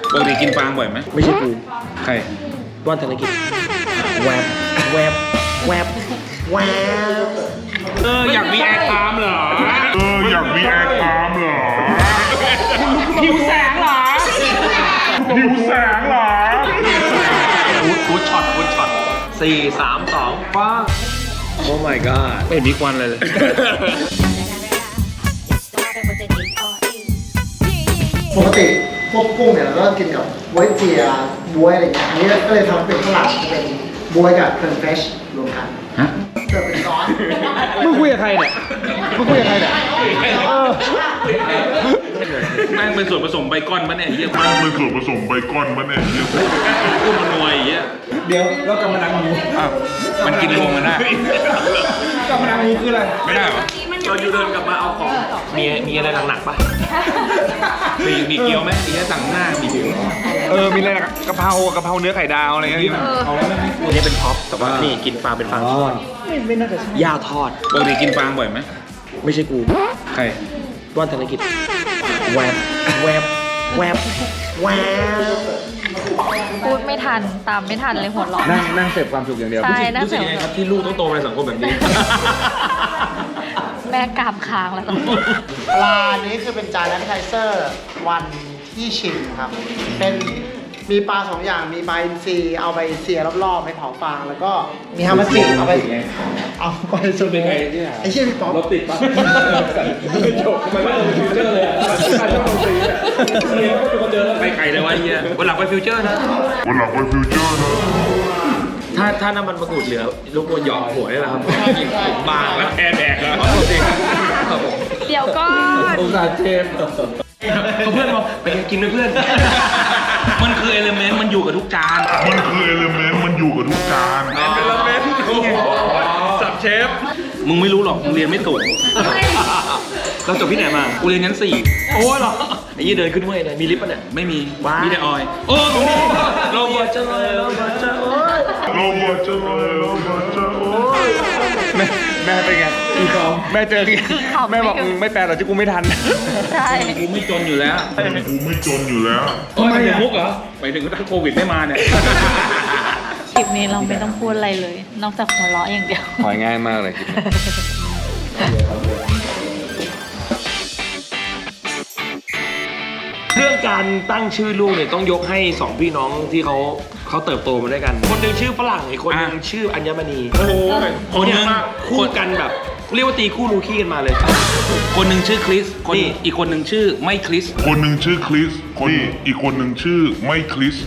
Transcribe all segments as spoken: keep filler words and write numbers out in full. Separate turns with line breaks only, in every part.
ปกติกินฟางบ่อยไหม
ไม่ใช่กู
ใคร
ว่านธนกิจแวบแวบแวบแวบ
เอออยากมีแอร์ตามเหรอ
เอออยากมีแอร์ตามเหรอ
หิวแสงเหรอ
หิวแสงเหรอ
กูดกูดช็อตกูดช็อตสี่สามสองป้าโอ้ my god
ไม่เห็นมีควันเลยเลย
ปกติพวกกุ้งเนี่ยเราก็กินกับบ๊วยเจียบ๊วยอะไรเงี้ยอันนี้ก็เลยทำเป็นข้าวหลามเป็นบ๊วยกับเครื่องเฟรชรวมกัน
ฮะ
เสิร์ฟเป็นซอส
มึงคุยกับใครเนี่ยมึงคุยกับใครเนี่ยเออ
แม่งเป็นส่วนผสมไบคอนปะเนี่ยเยี่ยม
มันเป็นส่วนผสมไบคอนมันเนี่ย
กุ้งมันนวยเยี่ย
เดี๋ยวแล้วกำมะนังหมู
อ้าวมันกินรวมกันได้
กำมะนังหมูคืออะไร
ไม่ได้เหรอ
เราอยู่เดินกลับมาเอาของมีมีอะไรหนักๆป่ะ
มีมีเกี๊ยวไหมมีแค่สั่งหน้ามีถึง
เออ มีอะไรนะกะเพรากะเพราเนื้อไข่ดาวอะไรเงี้ยมีไหม
อันนี้เป็นท็อปแต่ว่านี่กินฟางเป็นฟางทอดย่าทอด
ปกติกินฟางบ่อยไหม
ไม่ใช่กู
ใคร
ว่านธนกิจแวบแวบแวบแวบ
พูดไม่ทันตามไม่ทันเลยหัวเราะ
นั่งนั่งเสพความสุขอย่างเดียว
ใช่น่า
รู้สึ
เสี
ก
ย
ยังไงครับที่ลูกต้องโตในสังคมแบบนี้
แม่กรามค้างแล้วตอนนี้
ปลานี้คือเป็นจานแอปเปอร์ไทเซอร์วันที่ชิมครับ เป็นมีปลาสองอย่างมีปลาอินทรีเอาไปเสียรอบๆไปเผาฟางแล้วก็มีฮามาจิเอาไปเอาไปสุดไไอ้เชี่ยพี่ป๊อป
รถติดปะไม่จบทำไมไม่ลงฟิวเจอร์เลยอ่ะใครต้องลงฟรีอ่ะเป็นคนเจอแล้ว
ไปไกลเลยวะเยี่ยวันหลังไปฟิวเจอร์นะ
วันหลังไปฟิวเจอร์นะ
ถ้าถ้าน้ำมันมะกรูดเหลือลูกบอลหยอกหัวได้แล้วครับ
บางแล้วแอร์แดกแล้ว
เดี๋ยวก็
องศาเจมเขาเพื่อนบอกไปกินด้วยเพื่อน
มันคือเอลเมนต์มันอยู่กับทุกจาน
มันคือเอลเมนต์มันอยู่กับทุกจาน
เอลเมนต์สับเชฟมึงไม่รู้หรอกมึงเรียนไม่ถูก
เราจบที่ไหนมา
กูเรียนชั้นสี่
โอ้ยเหรอไอ้ยี่เดินขึ้นห้วยเลยมีลิฟต์ปะเนี่ย
ไม่มี
ว้าว
มีแต่ออยโอ้ตรงนี้เรา
เราบอดจะเลยเราบอดจะโอ้ย
เราบอดจะเลยเราบอดจะโอ้ย
แม่แม่เป็นไงแม่เจอแม่บอกมึงไม่แปลหรอกที่กูไม่ทัน
ใช่
กูไม่จนอยู่แล้ว
กูไม่จนอยู่แล้ว
ทำไมถึงมุกเหรอไปถึงถ้าโควิดไม่มาเนี่ย
คลิปนี้เราไม่ต้องพูดอะไรเลย นอกจากหัวเราะอย่างเดียว
หอยง่ายมากเลยคิด
เรื่องการตั้งชื่อลูกเนี่ยต้องยกให้สองพี่น้องที่เขาเขาเติบโตมาด้วยกัน คนหนึ่งชื่อฝรั่งอีกคนหนึ่ง
อ่ะ
ชื่ออัญมณี
โอ้โหคนห
เนี่ย
นึ่ง
คู่กันแบบ เรียกว่าตีคู่รูขี้กันมาเลย
คนหนึ่งชื่อคริสคน
นี่
อีกคนหนึ่งชื่อไม่คริส
คนหนึ่งชื่อคริสคนอีกคนหนึ่งชื่อไม่คริส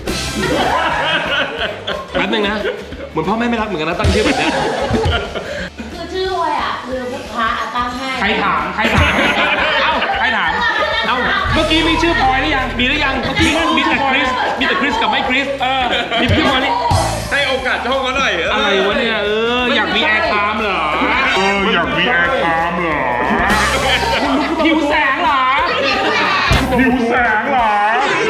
แป๊บนึงนะ เหมือนพ่อแม่ไม่รักเหมือนกันนะตั้งชื่อแบบเนี้ย
คือชื่ออวยอ่ะคือพระอ่ะตั้งให้
ใครถามใครถามเอ้าใครถามเอ้าเมื่อกี้มีชื่อพลอยหรือยัง
มีหรือยังเมื่อกี้
มีแต่คริสมีแต่คริสกับไม่คริสเออมีพี่พลอยนี่
ให้โอกาสช่องเขาหน่อย
อะไรวะเนี่ยเอออยากมีแอร์ไทม์เหรอ
เอออยากมีแอร์ตามเหรอ
หิวแสงเหรอ
หิวแสงเหรอ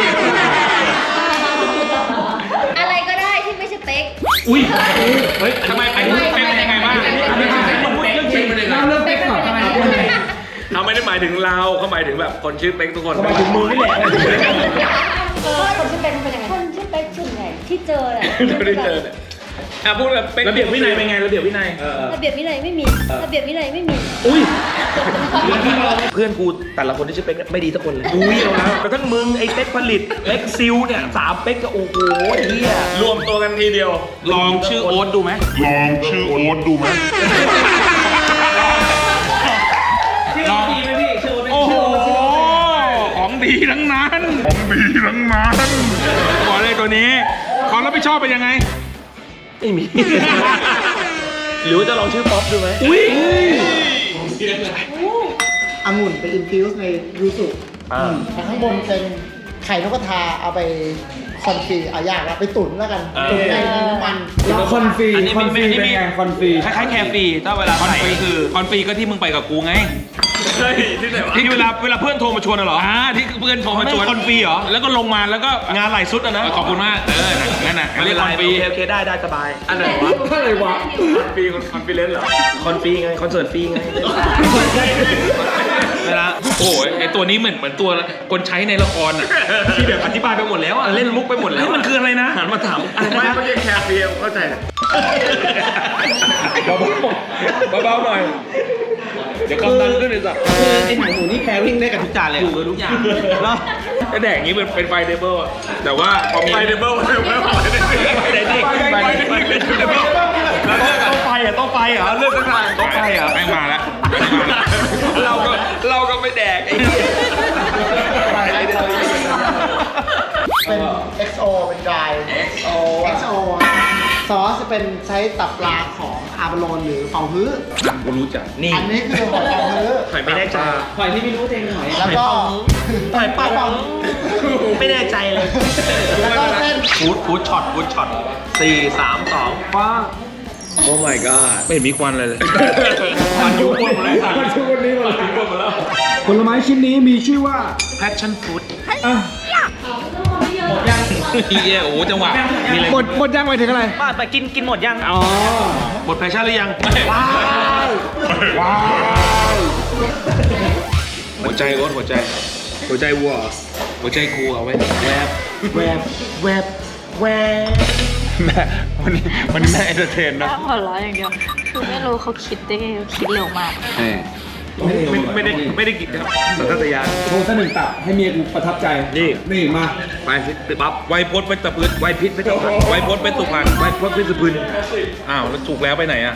อะไรก็ได้ที่ไม่ใช่เป๊ก
อุ้ยเฮ้ยทำไมอันนี้เป็นยังไงบ้างอันนี้มันพูดเรื่องจริงเลยนะ
เป๊กก่อนทำไม
เขาไม่ได้หมายถึงเราเขาหมายถึงแบบคนชื่อเป๊กทุกคน
ทำไมถึงมือนี่แหละ
เออคนชื่อเป๊กเป็นยังไงคนชื่อเป๊กส่วนใหญ่ที่เจอแหละ
ไม่ได้เจอเนี่ยอ่ะพูดแบบเป๊ก
ระเบียบวินัยเป็นไงระเบียบวินัย
ระเบียบวินัยไม่มีระเบียบวินัยไม่มี
อุ้ยเพื่อนกูแต่ละคนที่ชื่อเป๊กเนี่ยไม่ดีทุกคนเลยอุ้ยเอาแล้วแต่ทั้งมึงไอ้เป๊กผลิตเป๊กซิลเนี่ยสามเป๊กก็โอ้โหเฮียรวมตัวกันทีเดียว
ลองชื่อโอ๊ตดูไหม
ลองชื่อโอ๊ตดูไหม
ลองดีไหมพี่ชื่อโอ้โหของดีทั้งนั้น
ของดีทั้งนั้น
บอกเลยตัวนี้ความรับผิดชอบเป็นยังไง
ไม่มี หรือว่าจะลองชื่อป๊อปดูไหม
อุ้ย
องุ่นไปอินฟิวส์ในยูสุ
อ่า
แต่ข้างบนเป็นไข่นกกระทาเอาไปคอนฟีเอายากแล้วไปตุ๋นแล้วกันตุ๋นในน้ำมันแล้ว
คอนฟรี
อันนี้
คอนฟรี
ไม่ไม่
เป็นไงคอนฟรี
คล้ายๆแคฟรีถ้าเวลาคอนฟรีคือคอนฟรีก็ที่มึงไปกับกูไง
เฮ้ยที่ไหนวะ
ที่เวลาเวลาเพื่อนโทรมาชวนน่ะเหรออ่าที่เพื่อนโทรมาชวนคอนฟรีเหรอแล้วก็ลงมาแล้วก็
งานหลายสุดอะนะ
ขอบคุณมากเออนั่นน่ะเรียกคอนฟรี
โอเคโอเคได้ได้สบายอันไหนวะ
อะไรวะ
คอนฟรีคอนฟรีเลนเหรอคอนฟรีไงคอนเสิร์ตฟรีไง
เวลาโอ้ยไอตัวนี้เหมือนเหมือนตัวคนใช้ในละครอ่ะที่แบบอธิบายไปหมดแล้วอ่ะเล่นมุกไปหมดแล้วมันคืออะไรนะหันมาถามอะไร
ไม่
นะ
ไม่ใช่แคร์เฟียเข้าใจ
เบาๆเบาๆหน่อยเดี๋ยวความดันขึ้นเลยสัก
คือไอ้หนังหมูนี่แพริ่งได้กับทุกจานเลยถูกกับทุกอย่างแล้ว
ถ้าแดกอย่างนี้มันเป็นไฟเดเบิลอะแต่ว่าพอมี
ไฟเดเบิลไฟเดเบิลไฟเดเบิล
ไฟเดเบิลไฟเดเบิล
ต้องไฟอ่ะต้องไฟเหรอเลือกสักทางต้องไฟเหรอ
แม่งมาแล้วแม่งมาแล้วเราก็เราก็ไม่แดกไอ้เหี้ย
เป็น เอ็กซ์ โอ เป็นดราย เอ็กซ์ โอ เอ็กซ์ โอ ซอสจะเป็นใช้ตับปลาของอาบาโลนหรือเฝาฮื้อ
กูรู้จักนี่
อันนี้คือหอยเฝาฮื้อ
หอยไม่แน่ใจ
หอยที่ไม่รู้เองหอยแล้วก็
หอยปลาปองไม่แน่ใจเลย
แล้วก็เส้น
ฟูดฟูดช็อตฟูดช็อตสี่สามสองฟ้าโอ้ my god
ไม่เห็นมีควันเลยเลย
มันยุ่งหมดเลยมันช่วงวันนี้หมดแล้ว
ผลไม้ชิ้นนี้มีชื่อว่า
passion fruit
เหี้ยโอ้โหจังหวะมีอะไร
หมดหมดยังไปถึงอะไร
ป้าไปกินกินหมดยัง
อ๋อ
หมดแพชชั่นหรือยัง
ว้าว ว้าว
หัวใจรถหัวใจ หัวใจวัวหัวใจกูเอาไว้แวบ
แวบแวบแวบ
แม่วันนี้วันนี้แม่เอนเตอร์เทน
แค่
นะ
หัวเราะอย่างเดียว คือไม่รู้เขาคิดได้ไงเขาคิดเร็วมาก
ไม่ไม่ได้ไม่ได้กินครับสัญชาตญาณ
โชว์สักหนึ่งตับให้เมียกูประทับใจ
นี่
นี่มา
ไปสิปั๊บไวโพสไปตะพืนไวพิษไปตะพันไวโพสไปตุพันไวโพสไปสุพืนอ้าวแล้วถูกแล้วไปไหนอ่ะ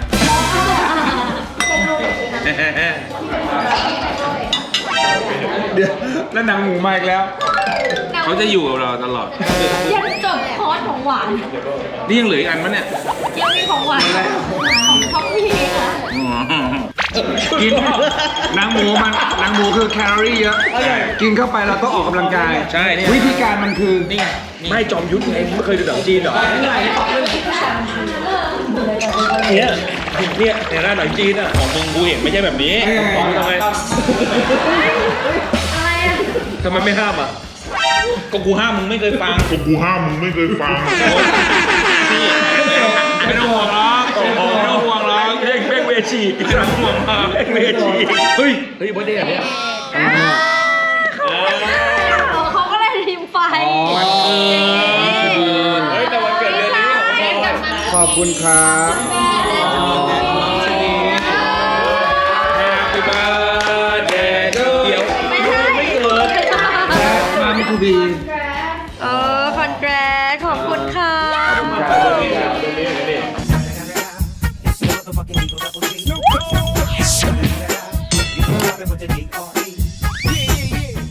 เดี๋ยวแล้วหนังหมูมาอีกแล้ว
เขาจะอยู่กับเราตลอด
ยันจบคอร์สของหวาน
นี่ยังเหลืออีกอันมั้ยเนี่ย
ยังมีของหวานของท็อปพี่ค่ะ
กินหนังหมูมันหนังหมูคือแคลอรี่เยอะ กินเข้าไปเราต้องออกกำลังกาย
ใช่เนี่ย
วิธีการมันคือ
นี่
ไม่จอมยุทธไงไม่เคยดูหนังจีนเหรอเนี่ยเนี่ยในร้านหนังจีนอ่ะ
ของมึงกูเห็นไม่ใช่แบบนี้
เอ้ย
ของมึงทำไม
อะไรอ่ะ
ทำไมไม่ห้ามอ่ะ
ก็กูห้ามมึงไม่เคยฟัง
ผมกูห้ามมึงไม่เคยฟัง
นี่ไม่ต้องห่วงหรอกไม่ต้องห่วงหรอก
เพ่งเพ่งเวชี
ไม่ต้องห่วงหรอก
เพ่งเวชีเฮ้ยเฮ้ยวันเดียวเนี่ย
เขาก็เลยทีมไฟ
เฮ้ยแต่วันเกิดเดือนนี้ของพ่อ
ขอบคุณครับ
Happy birthday to you
ไม่ใช่
ไม่เกิด
มามิทูบี
เออคอนแกรสขอบคุณค่ะ
Motherfucking Eagle Double G.